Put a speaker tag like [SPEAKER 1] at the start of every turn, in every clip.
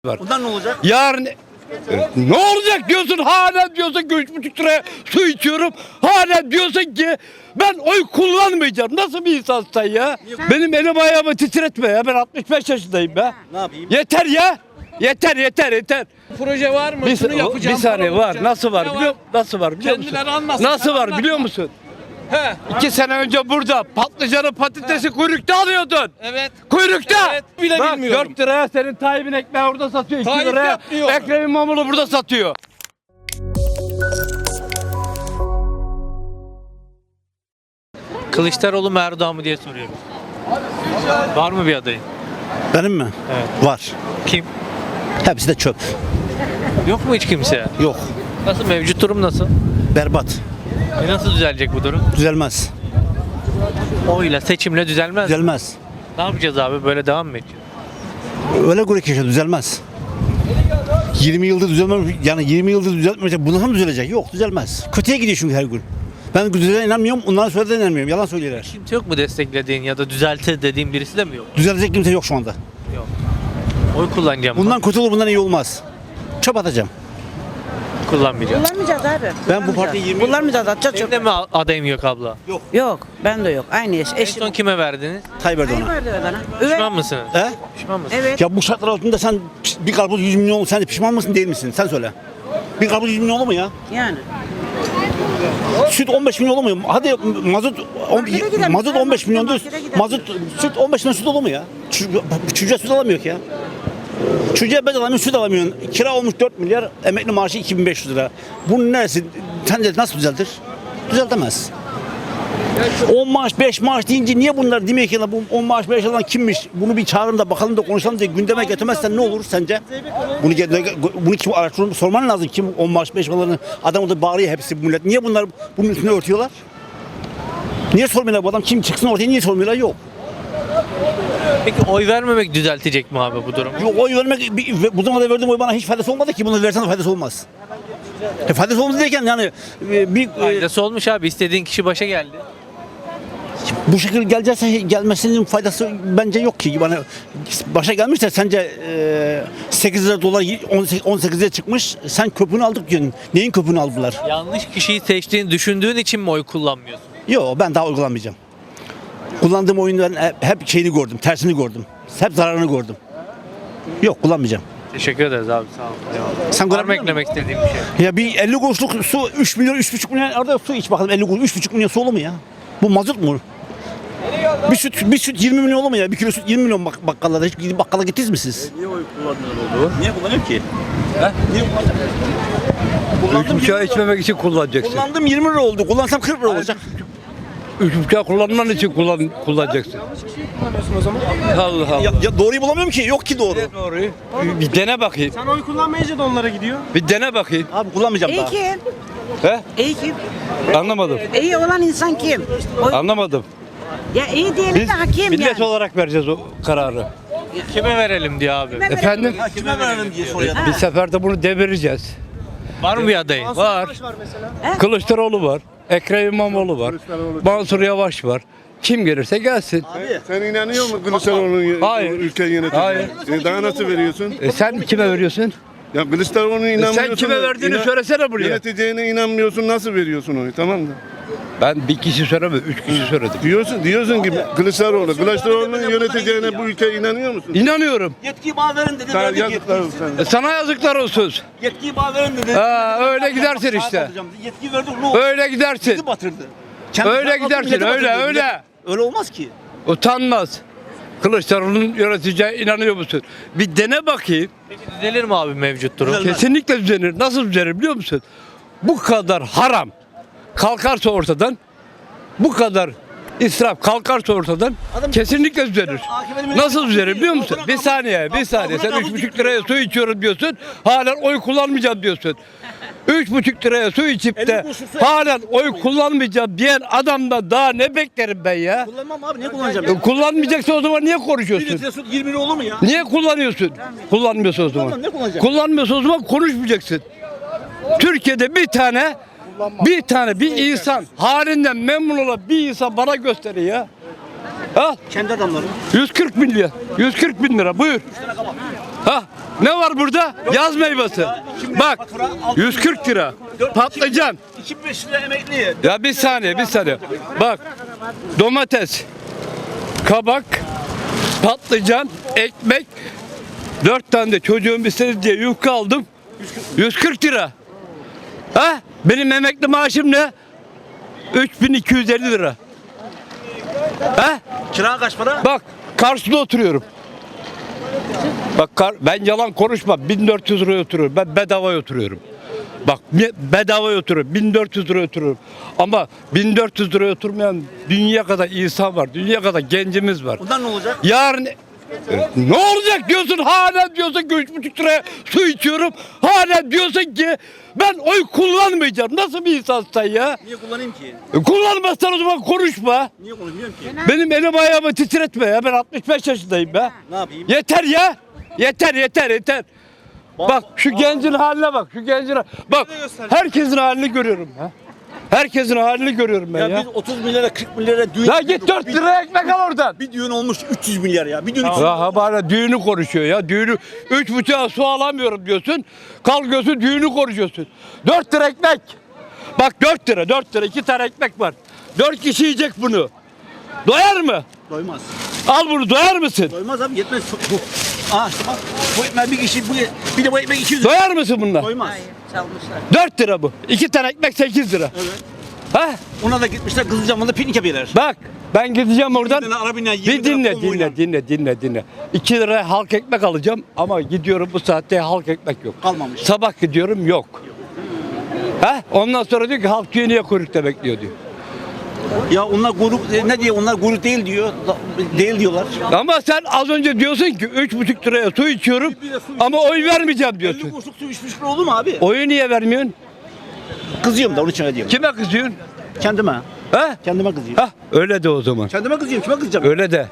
[SPEAKER 1] var.
[SPEAKER 2] Bundan ne olacak?
[SPEAKER 1] Yarın ne olacak diyorsun, hala diyorsun ki 3,5 liraya su içiyorum. Hala diyorsun ki ben oy kullanmayacağım. Nasıl bir insansın sen ya? Benim elim ayağımı titretme ya. Ben 65 yaşındayım be.
[SPEAKER 2] Ne yapayım?
[SPEAKER 1] Yeter ya. Yeter.
[SPEAKER 3] Proje var mı? Şunu yapacağım.
[SPEAKER 1] Bir saniye
[SPEAKER 3] bunu
[SPEAKER 1] var.
[SPEAKER 3] yapacağım.
[SPEAKER 1] Nasıl var
[SPEAKER 3] Ne
[SPEAKER 1] biliyor Nasıl var biliyor musun?
[SPEAKER 3] Kendileri anlasın,
[SPEAKER 1] Nasıl
[SPEAKER 3] sen
[SPEAKER 1] var
[SPEAKER 3] anlatma.
[SPEAKER 1] biliyor musun?
[SPEAKER 3] He.
[SPEAKER 1] 2 sene önce burada patlıcanı patatesi kuyrukta alıyordun.
[SPEAKER 3] Evet.
[SPEAKER 1] Kuyrukta.
[SPEAKER 3] Evet, bile
[SPEAKER 1] Bak,
[SPEAKER 3] bilmiyorum.
[SPEAKER 1] 4 liraya senin Tayyip'in ekmeği orada satıyor. 2
[SPEAKER 3] Tayyip
[SPEAKER 1] liraya
[SPEAKER 3] yapmıyor.
[SPEAKER 1] Ekrem İmamoğlu burada satıyor.
[SPEAKER 4] Kılıçdaroğlu mu Erdoğan mı diye soruyorum. Var mı bir adayın?
[SPEAKER 2] Benim mi?
[SPEAKER 4] Evet.
[SPEAKER 2] Var.
[SPEAKER 4] Kim?
[SPEAKER 2] Hepsi de çöp.
[SPEAKER 4] Yok mu hiç kimse?
[SPEAKER 2] Yok.
[SPEAKER 4] Nasıl, mevcut durum nasıl?
[SPEAKER 2] Berbat.
[SPEAKER 4] Nasıl düzelecek bu durum?
[SPEAKER 2] Düzelmez.
[SPEAKER 4] Oyla, seçimle düzelmez.
[SPEAKER 2] Düzelmez.
[SPEAKER 4] Ne yapacağız abi? Böyle devam mı edeceğiz?
[SPEAKER 2] Öyle göre ki düzelmez. 20 yıldır düzelmemiş, yani 20 yıldır düzeltmeyecek. Bundan mı düzelecek? Yok, düzelmez. Kötüye gidiyor çünkü her gün. Ben düzelene inanmıyorum, onlara söylediğine inanmıyorum. Yalan söylüyorlar.
[SPEAKER 4] Kimse yok mu desteklediğin ya da düzeltir dediğin birisi de mi yok?
[SPEAKER 2] Düzelecek kimse yok şu anda.
[SPEAKER 4] Yok. Oy kullanacağım.
[SPEAKER 2] Bundan kötü olur, bundan iyi olmaz. Çöp atacağım.
[SPEAKER 4] Kullanmayacağım.
[SPEAKER 5] Kullanmayacağız abi.
[SPEAKER 2] Ben bu partiyi 20
[SPEAKER 5] Kullanmayacağız, atacağız
[SPEAKER 4] Benim
[SPEAKER 5] çok.
[SPEAKER 4] de mi adayım yok abla?
[SPEAKER 5] Yok, ben de yok. Aynı eş.
[SPEAKER 4] En
[SPEAKER 5] Eşim.
[SPEAKER 4] son kime verdiniz?
[SPEAKER 2] Tayyip
[SPEAKER 5] Hayır
[SPEAKER 2] Erdoğan'a.
[SPEAKER 5] verdi bana.
[SPEAKER 4] Pişman mısınız?
[SPEAKER 2] He?
[SPEAKER 4] Pişman mısınız?
[SPEAKER 5] Evet.
[SPEAKER 2] Ya bu şartlar altında sen bir karpuz 100 milyon, sen de pişman mısın değil misin? Sen söyle. Bir karpuz 100 milyon olur mu ya?
[SPEAKER 5] Yani.
[SPEAKER 2] Süt 15 milyon olur mu? Hadi
[SPEAKER 5] Markete gidelim.
[SPEAKER 2] mazot 15 milyon diyor.
[SPEAKER 5] Markete gidelim.
[SPEAKER 2] Mazot süt 15 milyon süt olur mu ya? Çocuğa süt alamıyor ki ya. Çocuğa bez alamıyor, süt alamıyorsun. Kira olmuş 4 milyar, emekli maaşı 2500 lira. Bunun neresi? Sence nasıl düzeltir? Düzeltemez. 10 maaş, 5 maaş deyince niye bunlar demiyor ki bu 10 maaş, 5 alan kimmiş? Bunu bir çağırın da bakalım da konuşalım diye gündeme getirmezsen ne olur sence? Bunu kim araştırıp sorman lazım, kim 10 maaş, 5 alanı adam orada bağırıyor hepsi bu millet. Niye bunlar bunun üstüne örtüyorlar? Niye sormuyorlar bu adam kim çıksın ortaya, niye sormuyorlar? Yok.
[SPEAKER 4] Peki oy vermemek düzeltecek mi abi bu durum?
[SPEAKER 2] Yok, oy vermek, bu zamanda verdiğim oy bana hiç faydası olmadı ki, bunu versen de faydası olmaz. Faydası olmadı derken yani
[SPEAKER 4] Faydası olmuş abi. İstediğin kişi başa geldi.
[SPEAKER 2] bu şekilde gelecekse gelmesinin faydası bence yok ki. Bana başa gelmişler sence 8 lira dolar 18 liraya çıkmış, sen köpüğünü aldık diyorsun. Neyin köpüğünü aldılar?
[SPEAKER 4] Yanlış kişiyi seçtiğini düşündüğün için mi oy kullanmıyorsun?
[SPEAKER 2] Yok, ben daha uygulanmayacağım. Kullandığım oyunların hep şeyini gördüm, tersini gördüm. Hep zararını gördüm. Yok, kullanmayacağım.
[SPEAKER 4] Teşekkür ederiz abi, sağ olun. Eyvallah.
[SPEAKER 2] Sen
[SPEAKER 4] Var mı
[SPEAKER 2] görebiliyor musun?
[SPEAKER 4] eklemek istediğim bir şey?
[SPEAKER 2] Ya bir 50 kuruşluk su 3 milyon, 3,5 milyon orada su iç bakalım, 50 kuruş 3,5 milyon su olur mu ya? Bu mazot mu? Bir süt 20 milyon olur mu ya? Bir kilo süt 20 milyon bakkallarda. Hiç gidip bakkala gittiniz mi siz?
[SPEAKER 1] Niye oy kullanmıyor oldu?
[SPEAKER 2] Niye kullanıyor ki?
[SPEAKER 1] Niye kullanacak? 3,5 içmemek için kullanacaksın.
[SPEAKER 2] Kullandım 20 lira oldu. Kullansam 40 lira olacak.
[SPEAKER 1] 3,5 kullanman için kullanacaksın. Allah Allah.
[SPEAKER 2] Ya doğruyu bulamıyorum ki. Yok ki doğru.
[SPEAKER 1] Doğruyu. Bir dene bakayım.
[SPEAKER 3] Sen oy kullanmayınca da onlara gidiyor.
[SPEAKER 1] Bir dene bakayım.
[SPEAKER 2] Abi kullanmayacağım
[SPEAKER 5] İyi
[SPEAKER 2] daha.
[SPEAKER 5] kim?
[SPEAKER 1] He?
[SPEAKER 5] İyi kim?
[SPEAKER 1] Anlamadım.
[SPEAKER 5] İyi olan insan kim?
[SPEAKER 1] Anlamadım.
[SPEAKER 5] Ya iyi diyelim
[SPEAKER 1] Biz
[SPEAKER 5] de hakim
[SPEAKER 1] millet
[SPEAKER 5] yani.
[SPEAKER 1] olarak vereceğiz o kararı.
[SPEAKER 4] Kime verelim diyor abi.
[SPEAKER 1] Efendim?
[SPEAKER 2] Kime verelim diye soruyor.
[SPEAKER 1] Bir seferde bunu devireceğiz.
[SPEAKER 4] Var mı bir adayın?
[SPEAKER 1] Var. Kılıçdaroğlu var. Ekrem İmamoğlu var. Mansur Yavaş var. Kim gelirse gelsin.
[SPEAKER 6] Sen inanıyor musun Kılıçdaroğlu'nun
[SPEAKER 1] Hayır.
[SPEAKER 6] ülkeyi yöneteceğine?
[SPEAKER 1] Hayır.
[SPEAKER 6] Daha nasıl veriyorsun?
[SPEAKER 1] Sen kime veriyorsun?
[SPEAKER 6] Ya Kılıçdaroğlu'na inanmıyorsun.
[SPEAKER 1] Sen kime verdiğini söylesene buraya.
[SPEAKER 6] Yöneteceğine inanmıyorsun, nasıl veriyorsun onu, tamam mı?
[SPEAKER 1] Ben bir kişi söylemedim, 3 kişi söyledim.
[SPEAKER 6] Diyorsun ki Kılıçdaroğlu'nun yöneteceğine bu ülkeye inanıyor musun?
[SPEAKER 1] İnanıyorum.
[SPEAKER 2] Yetkiyi bana verin dedi.
[SPEAKER 6] Sana
[SPEAKER 2] verdik
[SPEAKER 6] yazıklar
[SPEAKER 2] yetkiyi.
[SPEAKER 6] olsun.
[SPEAKER 1] Sana yazıklar olsun.
[SPEAKER 2] Yetkiyi bana verin dedi.
[SPEAKER 1] Öyle gidersin işte.
[SPEAKER 2] Yetkiyi verdik. Ne oldu?
[SPEAKER 1] Öyle gidersin.
[SPEAKER 2] Bizi batırdı.
[SPEAKER 1] Öyle
[SPEAKER 2] Kendi
[SPEAKER 1] gidersin,
[SPEAKER 2] milleti
[SPEAKER 1] öyle,
[SPEAKER 2] batırdı.
[SPEAKER 1] öyle.
[SPEAKER 2] Öyle olmaz ki.
[SPEAKER 1] Utanmaz. Kılıçdaroğlu'nun yöneteceğine inanıyor musun? Bir dene bakayım.
[SPEAKER 4] Peki düzelir mi abi mevcut durum?
[SPEAKER 1] Kesinlikle düzenir. Nasıl düzenir biliyor musun? Bu kadar haram kalkarsa ortadan, bu kadar israf kalkarsa ortadan kesinlikle düzelir. Nasıl düzelir biliyor musun? Bir saniye. Sen 3,5 liraya su içiyorum diyorsun. Halen oy kullanmayacağım diyorsun. 3,5 liraya su içip de halen oy kullanmayacağım diyen adamdan daha ne beklerim ben ya?
[SPEAKER 2] Kullanmam abi, niye kullanacağım?
[SPEAKER 1] Kullanmayacaksa o zaman niye
[SPEAKER 2] Bir
[SPEAKER 1] konuşuyorsun?
[SPEAKER 2] litre süt 20 lira olur mu ya?
[SPEAKER 1] Niye kullanıyorsun? Kullanmıyorsa o zaman.
[SPEAKER 2] Kullanmam, ne kullanacağım?
[SPEAKER 1] Kullanmıyorsa o zaman konuşmayacaksın. Türkiye'de bir tane bir insan halinden memnun olan bir insan bana gösterin ya. Ha?
[SPEAKER 2] Kendi adamları.
[SPEAKER 1] 140 bin lira. 140 bin lira buyur. Ha? Ne var burada? Yaz meyvesi. Bak 140 lira. Patlıcan.
[SPEAKER 2] 2500 lira emekli.
[SPEAKER 1] Ya bir saniye. Bak domates, kabak, patlıcan, ekmek. 4 tane de çocuğum istedi diye yufka aldım. 140 lira. Ha? Benim emekli maaşım ne? 3250 lira. Ha?
[SPEAKER 2] Kira kaç para?
[SPEAKER 1] Bak karşıda oturuyorum. Bak ben yalan konuşmam. 1400 liraya oturuyorum. Ben bedava oturuyorum. Bak bedava oturuyorum. 1400 liraya oturuyorum. Ama 1400 liraya oturmayan dünya kadar insan var. Dünya kadar gencimiz var.
[SPEAKER 2] Bundan ne olacak?
[SPEAKER 1] Yarın ne olacak diyorsun, hala diyorsun ki 3,5 liraya su içiyorum. Hala diyorsun ki ben oy kullanmayacağım. Nasıl bir insansın sen ya?
[SPEAKER 2] Niye kullanayım ki?
[SPEAKER 1] Kullanmazsan o zaman konuşma.
[SPEAKER 2] Niye konuşmuyorum ki?
[SPEAKER 1] Benim elim ayağımı titretme ya. Ben 65 yaşındayım be.
[SPEAKER 2] Ne yapayım?
[SPEAKER 1] Yeter ya. Yeter. Bak şu gencin haline bak. Bak herkesin halini görüyorum ha. Herkesin halini görüyorum ben ya.
[SPEAKER 2] Biz 30 milyara 40 milyara düğün.
[SPEAKER 1] Ya git 4 liraya ekmek al oradan.
[SPEAKER 2] Bir düğün olmuş 300 milyar ya. Bir düğün 300
[SPEAKER 1] Ya bana düğünü konuşuyor ya. Düğünü 3,5'a su alamıyorum diyorsun. Kalkıyorsun düğünü konuşuyorsun. 4 lira ekmek. Bak 4 lira 2 tane ekmek var. 4 kişi yiyecek bunu. Doyar mı?
[SPEAKER 2] doymaz.
[SPEAKER 1] Al bunu, doyar mısın?
[SPEAKER 2] Doymaz abi yetmez. Aa işte bak. Bu ekmek bir kişi bir de bu ekmek 200 lira.
[SPEAKER 1] Doyar mısın bununla?
[SPEAKER 2] Doymaz.
[SPEAKER 5] Hayır, çalmışlar.
[SPEAKER 1] 4 lira bu. 2 tane ekmek 8 lira.
[SPEAKER 2] Evet.
[SPEAKER 1] Ha?
[SPEAKER 2] Ona da gitmişler Kızılcamam'da piknik yapıyorlar.
[SPEAKER 1] Bak ben gideceğim oradan.
[SPEAKER 2] tane arabayla, 20
[SPEAKER 1] Bir
[SPEAKER 2] tane konvoyla.
[SPEAKER 1] dinle. 2 liraya halk ekmek alacağım ama gidiyorum bu saatte halk ekmek yok.
[SPEAKER 2] Kalmamış.
[SPEAKER 1] Sabah gidiyorum yok. Ha? Ondan sonra diyor ki halk diyor niye kuyrukta bekliyor diyor.
[SPEAKER 2] Ya onlar grup ne diyor? Onlar grup değil diyor. Değil diyorlar.
[SPEAKER 1] Ama sen az önce diyorsun ki 3,5 liraya su içiyorum ama oy vermeyeceğim
[SPEAKER 2] 50
[SPEAKER 1] diyorsun.
[SPEAKER 2] kuruşluk su 3,5 lira olur mu abi?
[SPEAKER 1] Oyu niye vermiyorsun?
[SPEAKER 2] Kızıyorum da onun için diyorum.
[SPEAKER 1] Kime kızıyorsun?
[SPEAKER 2] Kendime.
[SPEAKER 1] Ha?
[SPEAKER 2] Kendime kızıyorum.
[SPEAKER 1] Ha? Öyle de o zaman.
[SPEAKER 2] Kendime kızıyorum. Kime kızacağım?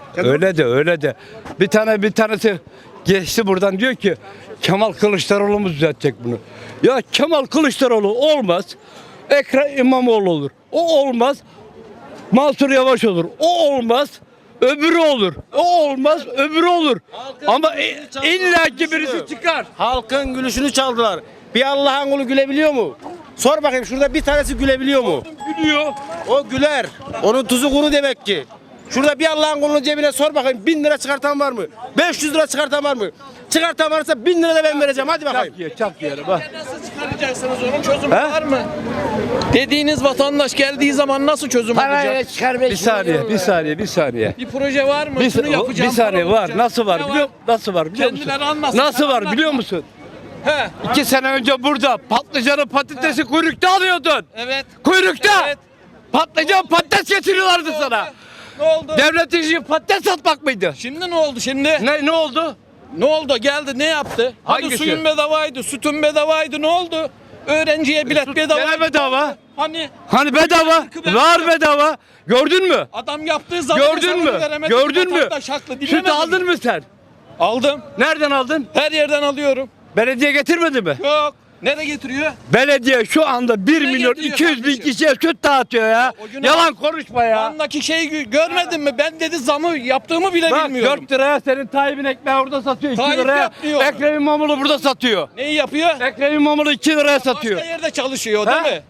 [SPEAKER 1] Öyle de. Bir tanesi geçti buradan diyor ki Kemal Kılıçdaroğlu mu düzeltecek bunu? Ya Kemal Kılıçdaroğlu olmaz. Ekrem İmamoğlu olur. O olmaz. Mansur Yavaş olur. O olmaz. Öbürü olur. O olmaz. Öbürü olur. Ama illaki birisi çıkar.
[SPEAKER 7] Halkın gülüşünü çaldılar. Bir Allah'ın kulu gülebiliyor mu? Sor bakayım şurada bir tanesi gülebiliyor mu?
[SPEAKER 1] Gülüyor.
[SPEAKER 7] O güler. Onun tuzu kuru demek ki. Şurada bir Allah'ın kulunun cebine sor bakayım 1000 lira çıkartan var mı? 500 lira çıkartan var mı? Çıkartan varsa 1000 lira da ben vereceğim hadi bakayım.
[SPEAKER 1] Çak yere bak.
[SPEAKER 3] Nasıl çıkaracaksınız onun çözümü
[SPEAKER 1] He?
[SPEAKER 3] var mı? Dediğiniz vatandaş geldiği zaman nasıl çözüm olacak?
[SPEAKER 1] Bir saniye.
[SPEAKER 3] Bir proje var mı? Şunu yapacağım.
[SPEAKER 1] Bir saniye
[SPEAKER 3] bunu
[SPEAKER 1] var.
[SPEAKER 3] yapacağım.
[SPEAKER 1] Nasıl var
[SPEAKER 3] Ne
[SPEAKER 1] biliyor Nasıl var biliyor musun?
[SPEAKER 3] Kendileri anlasın,
[SPEAKER 1] Nasıl
[SPEAKER 3] sen
[SPEAKER 1] var
[SPEAKER 3] anlatma.
[SPEAKER 1] biliyor musun?
[SPEAKER 3] He.
[SPEAKER 1] 2 sene önce burada patlıcanı patatesi kuyrukta alıyordun.
[SPEAKER 3] Evet.
[SPEAKER 1] Kuyrukta.
[SPEAKER 3] Evet.
[SPEAKER 1] Patlıcan patates getiriyorlardı sana.
[SPEAKER 3] Ne oldu?
[SPEAKER 1] Devletin işi patates satmak mıydı?
[SPEAKER 3] Şimdi ne oldu şimdi?
[SPEAKER 1] Ne oldu?
[SPEAKER 3] Ne oldu? Geldi ne yaptı? Hadi
[SPEAKER 1] Hangisi?
[SPEAKER 3] suyun bedavaydı, sütün bedavaydı. Ne oldu? Öğrenciye bilet bedava.
[SPEAKER 1] Gene bedava.
[SPEAKER 3] Hani
[SPEAKER 1] Bedava. Var bedava. Gördün mü?
[SPEAKER 3] adam yaptığı zaman
[SPEAKER 1] Gördün mü? Gördün mü? Süt aldın mı sen?
[SPEAKER 3] Aldım.
[SPEAKER 1] Nereden aldın?
[SPEAKER 3] Her yerden alıyorum.
[SPEAKER 1] Belediye getirmedi mi?
[SPEAKER 3] Yok. Nereye getiriyor?
[SPEAKER 1] Belediye şu anda 1
[SPEAKER 3] Ne
[SPEAKER 1] milyon
[SPEAKER 3] getiriyor
[SPEAKER 1] 200 bin
[SPEAKER 3] kardeşim?
[SPEAKER 1] kişiye süt dağıtıyor ya.
[SPEAKER 3] O gün
[SPEAKER 1] Yalan konuşma ya.
[SPEAKER 3] Andaki şeyi görmedin mi? Ben dedi zamı yaptığımı bile
[SPEAKER 1] Bak
[SPEAKER 3] bilmiyorum.
[SPEAKER 1] 4 liraya senin Tayyip'in ekmeği orada satıyor. 2
[SPEAKER 3] Tayyip
[SPEAKER 1] liraya
[SPEAKER 3] yapmıyor.
[SPEAKER 1] Ekrem İmamoğlu burada satıyor.
[SPEAKER 3] Neyi yapıyor?
[SPEAKER 1] Ekrem İmamoğlu 2 liraya satıyor.
[SPEAKER 3] Başka yerde çalışıyor
[SPEAKER 1] Ha?
[SPEAKER 3] değil mi?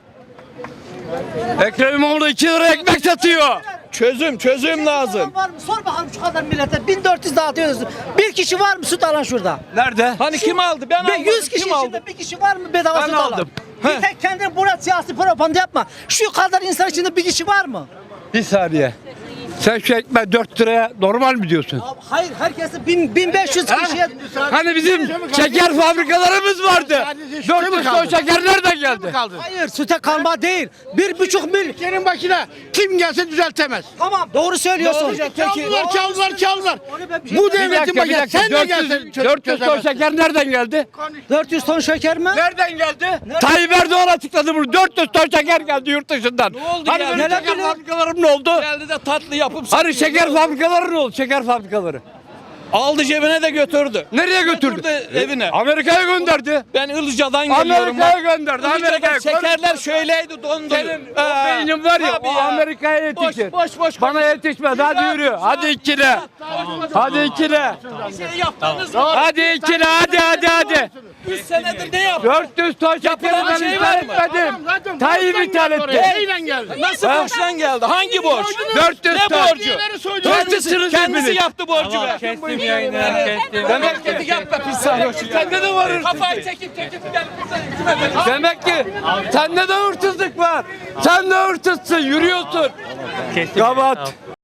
[SPEAKER 1] Ekrem İmamoğlu 2 liraya ekmek satıyor.
[SPEAKER 3] Çözüm lazım.
[SPEAKER 8] Var mı? Sor bakalım şu kadar millete. 1400 dağıtıyorsunuz. Bir kişi var mı süt alan şurada?
[SPEAKER 1] Nerede?
[SPEAKER 3] Hani kim aldı? Ben
[SPEAKER 8] Ve
[SPEAKER 3] aldım.
[SPEAKER 8] 100 kişi
[SPEAKER 3] Kim aldı?
[SPEAKER 8] içinde bir kişi var mı bedava
[SPEAKER 1] Ben
[SPEAKER 8] süt alan?
[SPEAKER 1] aldım.
[SPEAKER 8] Bir tek kendin buna siyasi propaganda yapma. Şu kadar insan içinde bir kişi var mı?
[SPEAKER 1] Bir saniye. Sen şu ekmeği 4 liraya normal mi diyorsun?
[SPEAKER 8] Hayır herkesi 1500 kişiye.
[SPEAKER 1] Hani bizim şeker fabrikalarımız vardı. 400 ton şeker nereden geldi?
[SPEAKER 8] Hayır süte kalma değil. 1,5 milyon.
[SPEAKER 7] Ülkenin başına kim gelse düzeltemez.
[SPEAKER 8] Tamam doğru söylüyorsun.
[SPEAKER 7] Çaldılar. Bu
[SPEAKER 1] Bir
[SPEAKER 7] devletin
[SPEAKER 1] dakika,
[SPEAKER 7] başına sen de gelsen
[SPEAKER 1] 400 ton şeker nereden geldi?
[SPEAKER 8] 400 ton şeker mi?
[SPEAKER 1] Nereden geldi? Tayyip Erdoğan açıkladı bunu. 400 ton şeker geldi yurt dışından.
[SPEAKER 3] Ne oldu
[SPEAKER 1] Hani
[SPEAKER 3] ya?
[SPEAKER 1] benim
[SPEAKER 3] Neler
[SPEAKER 1] şeker fabrikalarım ne oldu?
[SPEAKER 3] Geldi de tatlı yapıp
[SPEAKER 1] Hani
[SPEAKER 3] satıyor.
[SPEAKER 1] şeker fabrikaları ne oldu? Şeker fabrikaları.
[SPEAKER 3] Aldı cebine de götürdü.
[SPEAKER 1] Nereye götürdü?
[SPEAKER 3] Evine.
[SPEAKER 1] Amerika'ya gönderdi.
[SPEAKER 3] Ben Ilıca'dan geliyorum.
[SPEAKER 1] Amerika'ya gönderdi.
[SPEAKER 3] Ilıca'da
[SPEAKER 1] Amerika'ya
[SPEAKER 3] şekerler şöyleydi dondu.
[SPEAKER 1] Senin o beynin var ya,
[SPEAKER 3] Tabii
[SPEAKER 1] o Amerika'ya yetişir.
[SPEAKER 3] Boş.
[SPEAKER 1] Bana yetişmez. Hadi yürü. Hadi ikile. Hadi ikile.
[SPEAKER 3] Bir şey yaptınız mı?
[SPEAKER 1] Hadi ikile. Hadi.
[SPEAKER 3] 3 senedir ne yaptın?
[SPEAKER 1] 400 ton şekeri
[SPEAKER 3] Yapılan
[SPEAKER 1] ben
[SPEAKER 3] şey
[SPEAKER 1] ithal
[SPEAKER 3] var mı?
[SPEAKER 1] etmedim. Tayyip ithal etti.
[SPEAKER 3] Nasıl borçtan geldi? Hangi borç?
[SPEAKER 1] 400
[SPEAKER 3] Ne
[SPEAKER 1] ton.
[SPEAKER 3] borcu?
[SPEAKER 1] Kendisi
[SPEAKER 3] Kendisi yaptı borcu be.
[SPEAKER 4] Kestim yayını, kestim.
[SPEAKER 3] Demek ki yapma pis sarhoş.
[SPEAKER 1] Sende de var hırsızlık.
[SPEAKER 3] Kafayı çekip gel buradan.
[SPEAKER 1] Demek ki sende de hırsızlık var. Sen de hırsızsın. Yürüyorsun.
[SPEAKER 4] Kestim.
[SPEAKER 1] Kapat.